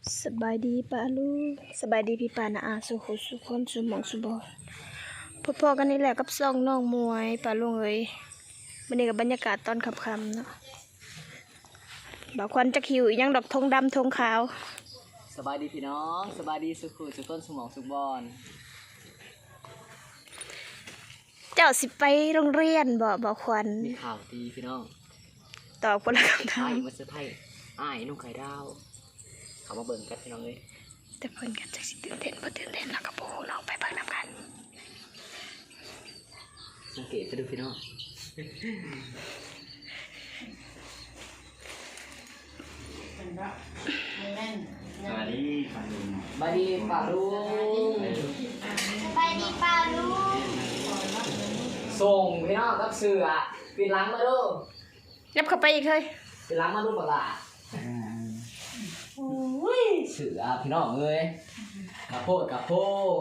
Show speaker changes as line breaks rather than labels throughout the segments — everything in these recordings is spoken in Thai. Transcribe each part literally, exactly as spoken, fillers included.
สบายดีป้าลูกสบายดีพี่ป้านะอาสุขุสุคนสุหมองสุบอพอๆกันนี่แหละกับซ่องน้องมวยป้าลุงเอ้ยวันนี้กับบรรยากาศตอนค่ำๆเนาะบ่าวควันจะคิวอีกยังดอกธงดำธงขาว
สบายดีพี่น้องสบายดีสุขุสุต้นสมองสุบอน
เจ้าสิไปโรงเรียนบ่บ่าวควัน
มีข่าวดีพี่น้อง
ตอบคนละคำถา
ไอ้
ม
มาเซอร์ไพรส์อ้ายนุ่งไข่ดาวเขามาเบิ่งกันพี่น้องเลย
แต่เพิ่นกันจักสิตื่นเต้นบ่ตื่นเต้นแล้วก็บ่ฮู้ลองไปเบิ่งนำกัน
สังเกตไปดูพี่น้อง
สวัสดีป้าลุง
สบายดีป่าลุง
ไปดีป่าลุง
ส่งพี่น้องกับเสือปิดหลังมาดู
ยับเข้าไปอีกเฮ้ย
ปิดหลังมาดูปะล่ะเสือพี่น้องเลยกระโพดกระโพด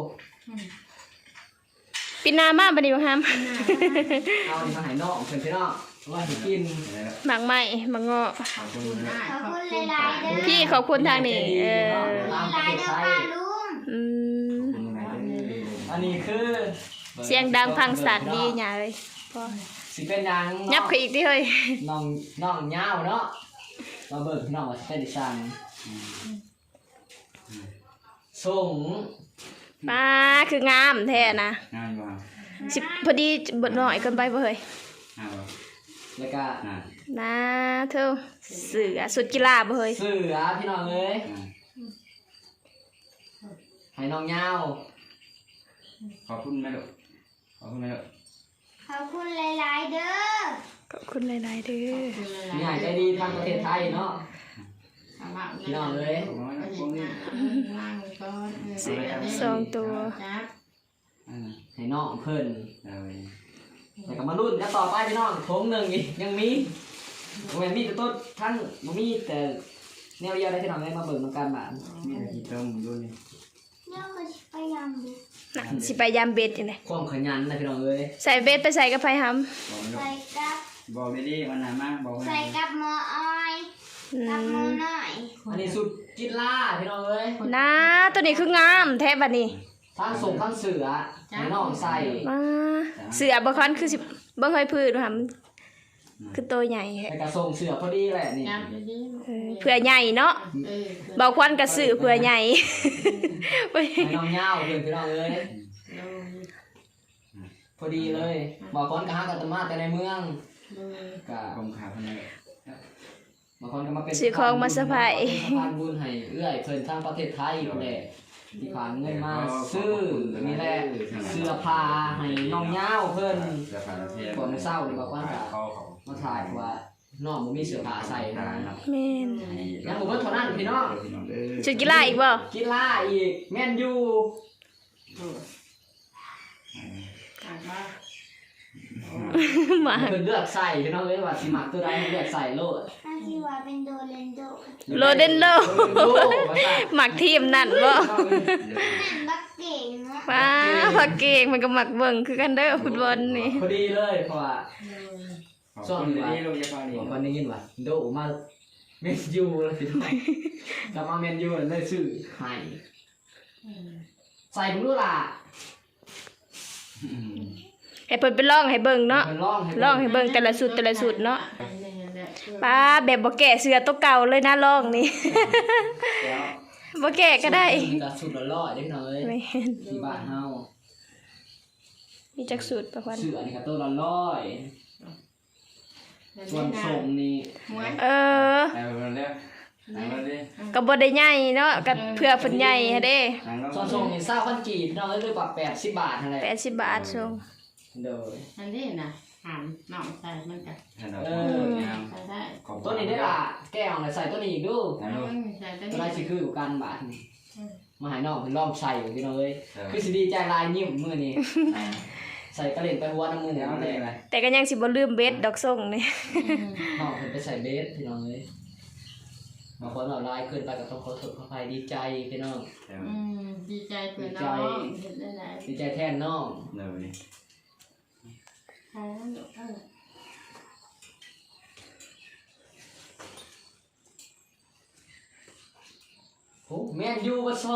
ปีหน้ามาบัดนี้บ่ฮัม
เอาดิมาให้น้องเพื่อนพี่น้องว่าสิกิน
หมากไหม้หมากเงาะ
ขอบคุณนะ
ขอบคุณหลายๆเด้อ
พี่ขอบคุณทางนี้เออ
หลายๆเด้อป่าลุง
อืม
อันนี้คือ
เสียงดังพังสัตว์ดีหยาเลยพอ
สิเป็นยัง
ยับเข้าอีกดิเฮ้ย
น้องน้องยาวเนาะมาเบิ่งพี่น้องว่าสิเป็นดิซังส่ง
ป้าคืองามแท้นะ
ง่ายกว่า
สิพอดีเบิดหน่อยเกินไปบ่เฮ้ย
ง่ายกว่า
แล้วก็
ง่าย
นะเธอเสือสุดกีฬาบ่เฮ้ย
เสือพี่น้องเอ้ยให้น้องยาว
ขอบคุณแม่ลูกขอบคุณแม่ลูก
ขอบคุณหลายๆเด้อ
ขอบคุณหลายๆเด้อ
มีหายใจดีทางประเทศไทยเนาะพี่น้องเอ้ย
ขอบคุณแม่ลูก
เสือสองตัว
อ่า
ให้น้องเพิ่น
เอา
แต่ก็มารุ่นกันต่อไปพี่น้องโถงหนึ่งอีกยังมีโอ้ยมีแต่ต้นทั้งบ่มีแต่แนวเดียวได้พี่น้องเอ้ยมาเบิ่งนำกันบ้าน
มีแต่กี่ต้มรุ่นนี้
เดี๋ยวก็พยายามดู
น่ะสิไปยามเบ็ดจังได๋
ความขยันนะพี่น้องเอ้ย
ใส่เบ็ดไปใส่กับไผหำ
บอกแม่ลู
ใส่
ก
กับ
บอกไม่ดีวันไหนมาบอก
ใส่กับหมออ้อย
อื
กับหมอ
ม
น้อย
อันนี้สุดกินล่าพี่น้องเอ้ย
นะตัวนี้คืองามแท้บัดนี้
ทั้งส่งทั้งเสือให้น้องใส่
มาเสือบ่คันคือสิบ่เฮ้ยพืชหำคือตัวใหญ่แฮะ
แต่ก็ส่งเสือพอดีแหละนี่
เออเผื่อใหญ่เนาะเบาควันกระสือเผื่อใหญ่ ไป
ให้น้องเงาเพื่อนพี่น้องเอ้ยพอดีเลยบอกคนก็หากันตมาแต่ในเมืองก็
กลมขาคนนี้
บางคนก็มาเป็น
ซื้อของมาสะพาย
สะพานบุญให้เอื้อยเพิ่นทางประเทศไทยอยู่แหละที่ผ่านเงินมาซื้อนี่แหละเสื้อผ้าให้น้องเงาเพิ่น
จะผ่านประเทศ
ก่อนเศร้านี่บอกว่า
เขาเขา
มาถ่ายว่าน้องบ่มีเสื้อผ้าใส่นะ
แม่น
ยังบ่เบิดเท่านั้นพี่น้อง
ชุดกีฬาอีกบ่
กีฬาอีกแม่นยู
มา
เพิ่นเลือกใส่พี่น้องเอ้ยว่าสิมักตัวใดเลือกใส่โลด
น่าที่ว่าเป็นโดเรนโด
โรเดนโด
โลดว่าซั่น
หมักทีมนั่นบ่
นั่นบักเก่งเนาะ
ป้าพักเก่งมันก็หมักเบิ่งคือกันเด้อฟุตบอลนี่
พอดีเลยเพราะว่า
ขอบคุณดีลูกจะพอดี
บอกวันนี้ยินว่าโดมาเมนยูแล้วพี่น้องกลับมาเมนยูแล้วเลยซื้อให้ใส่ผมดูล่ะ
ให้เพิ่นไปลองให้เบิ่งเนาะ
เพิ่นลองให้
ลองให้เบิ่งแต่ละสุดแต่ละสุดเนาะป้าแบบบ่แก่เสื้อตัวเก่าเลยนะลองนี่
แล้ว
บ่แก่ก็ได้
จะสุดละร้อยเด้อพี่น้องเอ้ย
แม่น
ที่บ้านเฮา
มีจักสุดประควัน
ซื้ออันนี้ก็ตัวละร้อยส่วนส่งนี่
เออ
ไหนมาเร็วไหนมาเร็ว
ก็บ่ได้ใหญ่เนาะก็เพื่อเพิ่นใหญ่หั้นเด้
นั่งลง
ส่วนส่งนี่เศร้าพันกีบพี่น้องเอ้ยด้วยกว่าแปดสิบบาทเท่าไหร่
แปดสิบบาทส่ง
เด้อ
อันนี้นะหามหน่องใส่มันกับ
เออ
ใส่ได้
ตัวนี้ได้ล่ะแก้วอะไรใส่ตัวนี้อีกดู
นั่งลง
ใส่ได้
ตัวไรสิคืออยู่กันบาทนี่มาหายน้องเพิ่นลองใส่พี่น้องเอ้ยคือสิดีใจลายยิ้มมื้อนี้ใส่กระเล่นไปหัวน้ำมือ
เดี๋ยว
นั่น
เล
แห
ย
ละ
อะไร
แต่ก็ยังสิบ่ลืมเบ็ดดอกส่งนี่
น้องเพิ่นไปใส่เบสพี่น้องเอ้ยบางคนเอาลายขึ้นไปก็ต้องขอโทษขออภัยดีใจพี่น้อง
อืมดีใจเพื่อนน้องเห็นได้หลาย
ดีใจแทนน้อง
เดี๋ยวนี้
ใช่แล้วลูกเออ
พโอ้แม่นยูบัซอ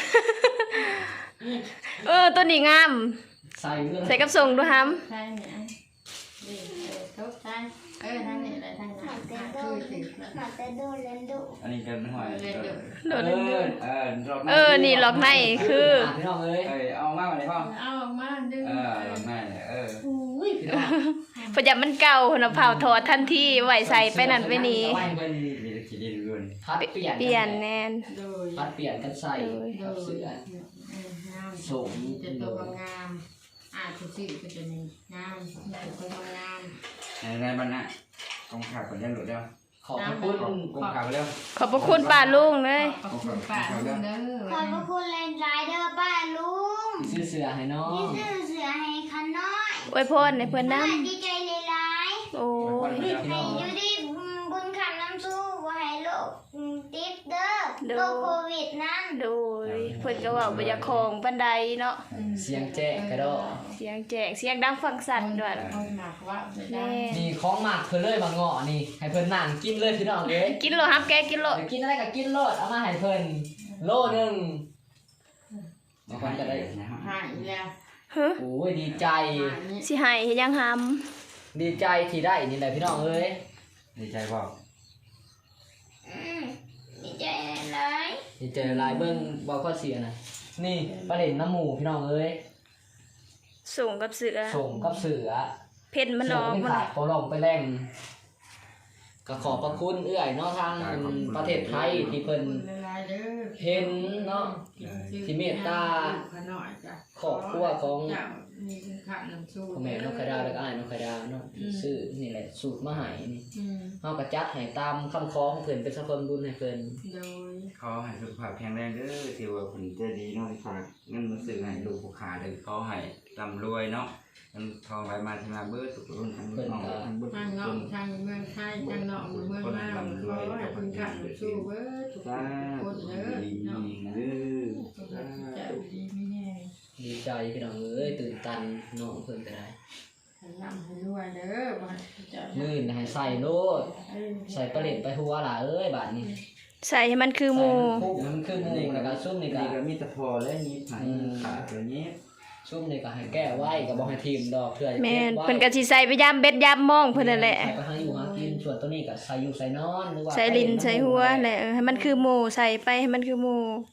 เออตัวนี้งาม
ใส่เรื่อง
ใส่กับส่งดูฮัม
ใช่เนี่ยนี่เออทุกใช่เออทั้งนี้อะไรทั้ง
ห
นั้
มาน แต่
อ่ะ
โด
คือ
น
ถึงแล้ว
หมาแต่โดนเลนโด
อันนี้กันหอย
เล่นเดี๋ยว
โดน
เอ
เล่น
อเออรอบ
เออนี่ล็อกในคือ
พี่น้องเอ้ย
เออเอามากกว่านี้พ่อ
เอาออกมาดึง
เออรอบหน้าเนี่ยเออ
อุ้ยพี่น้อง
ประหยัดมันเก่าเนาะเผาถอดทันทีไว้ใส่ไปนั่นไปนี่
ไว้เพิ่น
มีตะกี้ดินด้วย
พัดเปลี่ยน
เปลี่ยนแน่น
โดย
พัดเปลี่ยนกันใส่
โดย
กับเสื้อ
งาม
ส่ง
จะตัวงามอ่าทุกสิ่งก็จะมีงามตัวงาม
ในในบ้านน่ะกองข่าวคนยันหลุดแล้ว
ขอบพระคุณ
กองข่าวไปแล้ว
ขอบพระคุณป้าลุงเลย
ขอบคุณป้าลุงเด้อ
ขอบพระคุณเลนไรเดอร์ป้าลุง
ซื้อเสื้อให้น้อ
นี่
ง
ซื้อเสือให้คันน้อย
อวยพรในเพื่อนน้
ดีใจเลยหลาย
ำโอ้ย
พี่
ให้
น้อง
อยู่ดีบุญคำน้ำสู้ว่าให้โลกติดเด้อโรคโควิดนั่น
โดยเพื่อนก็เว่าบรรยากของบันไดเนาะ
เสียงแจ้งกระโดด
เสียงแจกเสียงดังฟังสั่นด้วย
คนหนักว่าไม่ได้
แน่
นี่ของหมักเพิ่นเลยบางเงาะนี่ให้เพิ่นนั่งกินเลยพี่น้องเอ้ย
กินโลฮับแกกินโล
อยากกินอะไรก็กินโลดเอามาให้เพิ่นโลหนึงบางคนก็ได้
หายแล้ว
เฮ้ย
โอ้ยดีใจ
หายนี่
สิให้เฮ็ดยังห
ดีใจที่ได้นี่แหละพี่น้องเอ้ย
ดีใจบอก
อืมดีใจเลย
ดีใจหลายเบิ่งบ่ข้อเสียน่ะนี่ประเด็นน้ำหมูพี่น้องเอ้ย
ำส่งกับเสือ
ส่งกับเสือ
เพ่นมันออก
เสื
มั
เป็น นขาดโปรลงไปแรงก็ขอบพระคุณเอื้อยเนาะทางประเทศไทยที่เพิ่น
ลายเด้อ
เห็นเนาะที่เมตตา
ขน่อยจ้ะ
ครอบครัวของ
เจ้ามีคุณค่าน้ำสู้
พ่อแม่นกกระดาแล้วก็อ้ายนกกระดาเนาะซื้อนี่แหละสูตรมาให้นี่
อืม
เฮาก็จัดให้ตามคำขอของเพิ่นเป็นสะพนบุญให้เพิ่น
โดย
ขอให้สุขภาพแข็งแรงเด้อที่ว่าคุณจะดีเนาะที่ฝากเงินมาซื้อให้ลูกผู้ขาเลยขอให้ร่ำรวยเนาะเงินทองไหลมาที่มาเบิดทุกรุ่นทั้งน้องทั้งบุญ
ทางนอกทางเมืองไทยทางนอกเมืองมาขอให้คุณค่าน้ำสู้เบิดทุก
สา
คนเด้อ
ดี
เนาะ
เด้อ
จะดีไม่แน่
ดีใจพี่น้องเอ้ยตื่นตันน้องเพิ่นก็ได้
ให้ร่ำให้รวยเด้อบ่ให้เจ้า
มื้อนี้ให้ใส่โลดใส่ปลาเล็ดไปหัวล่ะเอ้ยบาดนี้
ใส่ให้มันคือหมู
ใส่มันคุกมันคือหมูแล้วก็ซุ่มนี่ก็
นี่ก็มีแต่พอและนี้ผ่านขาตัวนี้
ซุ่มนี่ก็ให้แก้ไว้ก็บ่ให้ทีมดอกเทื่อจะ
แม่
เก็บ
น
ไว้
เพิ่นก็สิใส่ไปยามเบ็ดยามมองเพิ่นนั่นแหละ
ใส่ไปหาอยู่หากินส่วนตัวนี้ก็ใส่อยู่ใส่นอนหรือว่า
ใส่ลิ้นใส่หัวแหละเออให้มันคือหมูใส่ไปให้มันคือหมู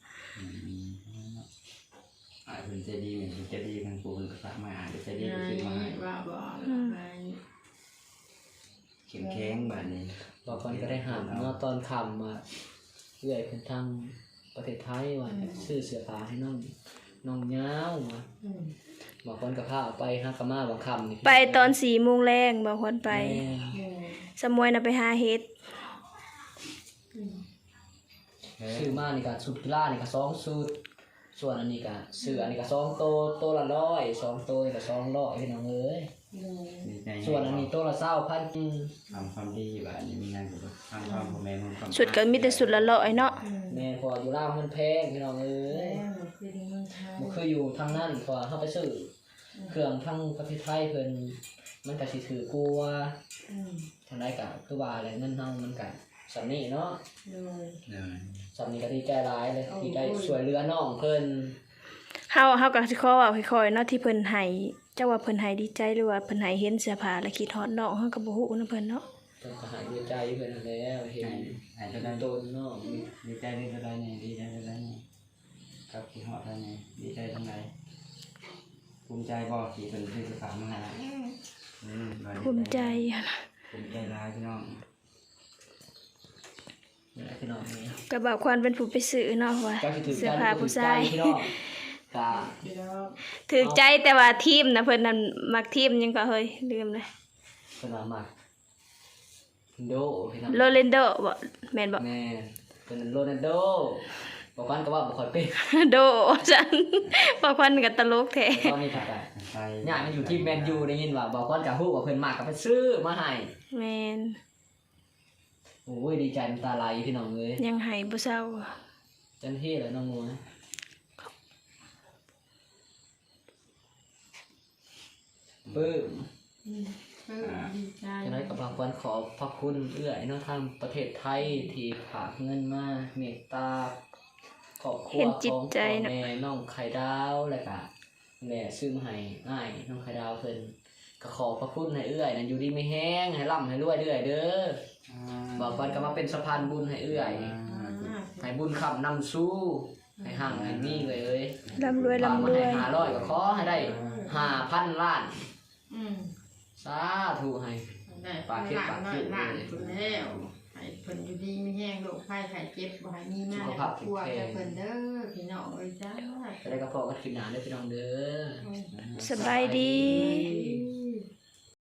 อ่าเป็นใจดีเหมือนใจดีทางปู่เป็นพระมาอ่านใจดี
ไง
ก็ซื้อมาให้
ว่าบ่ไง
เข้มแข็งแบบนี้
บางคนก็ได้หามเนาะตอนค่ำมาเอื้อยเพิ่นทางประเทศไทยว่าซื้อเสื้อผ้าให้น้องน้องยาวมา
อืม
บางคนก็พาเอาไปหากะมาบางคำนี่
ไปตอนสี่โมงแรงบางคนไป
แม่
อืม
สมวยน่ะไปหาเฮ็ด
อืม
ซื้อมานี่ก็สุดกีฬานี่ก็สองสุดส่วนอันนี้ก็เสื้ออันนี้ก็สองโตโตละร้อยสองโตนี่ก็สองร้อยพี่น้องเอ้ย
อืม
ดีใจ
ส่วนอันนี้โตละเศร้าพัน
ทำความดีแบบนี้มีงานกับทำความพ่อแม่มันความ
สุดก็มีแต่สุดละร้อยเนาะ
อืม
แม่พออยู่ล่าวมันแพงพี่น้องเอ้ย
แล้วมันคือเมืองไทย
บ่คืออยู่ทางนั้นพอเฮาไปซื้อเครื่องทางประเทศไทยเพิ่นมันก็สิถือกลัว
อืม
ทางใดก็คือว่าแหละเงินเฮามันก็สำนี้เนาะ
โดย
เลย
สำนี้ก็ดีใจหลายเลยดีใจช่วยเหลือน้องเพิ่น
เฮาเฮาก็สิขอเว้าค่อยๆเนาะที่เพิ่นให้เจ้าว่าเพิ่นให้ดีใจหรือว่าเพิ่นให้เห็นเสื้อผ้าแล้วคิดฮอดน้องเฮาก็บ่ฮู้นำเพิ่นเนาะ
เพิ่นก็ให้ดีใจเพิ่นนั่นแหล้วเห็น
หายจะได้
โดนน้อง
ดีใจได้ได้เนี่ยดีใจได้เนี่ยกับที่หอดได้เนี่ยดีใจทั้งไหนภูมิใจบ่ที่เป็นที่สุดมาให้อืม
ภูมิใจอะนะ
ภูมิใจร้ายพี่น้อง
นี่แหละพี่น้องนี่
ก็บอกควรเป็นผู้ไปซื้อเนาะว่า
เจ้าสิถือ
เสื้อ
ใจ
ผ้าผู้ชาย
พี่น้องกะ
เดี๋ยว
ถือใจแต่ว่าทีมนะเพิ่นนั่นมักทีมหยังก็เฮ้ยลืมเลย
เพิ่นว่ามักโดพี่น้อง
โรเลนโดบ่แม่นบ่
แม่เพิ่นโรนัลโดบอกกันก็ว่าบ่ค่อยเป็น
โดจันบอกควันก็ตลกแท้
ตอนนี้ก็ได้
ไป
ย่ามันอยู่ที่แมนยูได้ยินว่าบอกกันก็ฮู้ว่าเพิ่นมักก็ไปซื้อมาให้
แม่น
โอ้ยดีใจน้ำตาไหลพี่น้องเอ้ย
ยังให้บ่เศร้า
จันเท่เลยน้องมวยปึ้ม
อืมเออดีใจ
จังไดก็บางคนขอพระคุณเอื้อยเนาะทางประเทศไทยที่ฝากเงินมาเมตตาครัว
เห็นจิ
ข
ต
อง
ใจ
พ่อ
เนาะ
แม่น้องไข่ดาวแล้วก็แม่ซื้อมาให้อ้ายน้องไข่ดาวเพิ่นก็ขอพระคุณให้เอื้อยนั่นอยู่ดีไม่แห้งให้ร่ำให้รวยเรื่อยเด้อบอกก่อนก็มาเป็นสะพานบุญให้เอื้อยให้บุญคำนำสู้ให้ห่างให้มีเลยเอ้ย
ร่ำรวย
ฝาก
ร่ำ
มาร ให้
วย
ห้าร้อยก็ขอให้ได้ห้าพันล้าน
อืม
สาธุให้
ได้
ปากเค็มปากเค็ม
หลานคนแล้วให้เพิ่นอยู่ดีมีแห้งโรคภัยไข้เจ็บบ่ให้มีมาในครอบครัวแต่เพิ่นเด้อพี่น้องเอ้ยจ้า
จะได้กระเพาะกันกินหนาได้อพี่น้องเด้อ
สบายดี
ส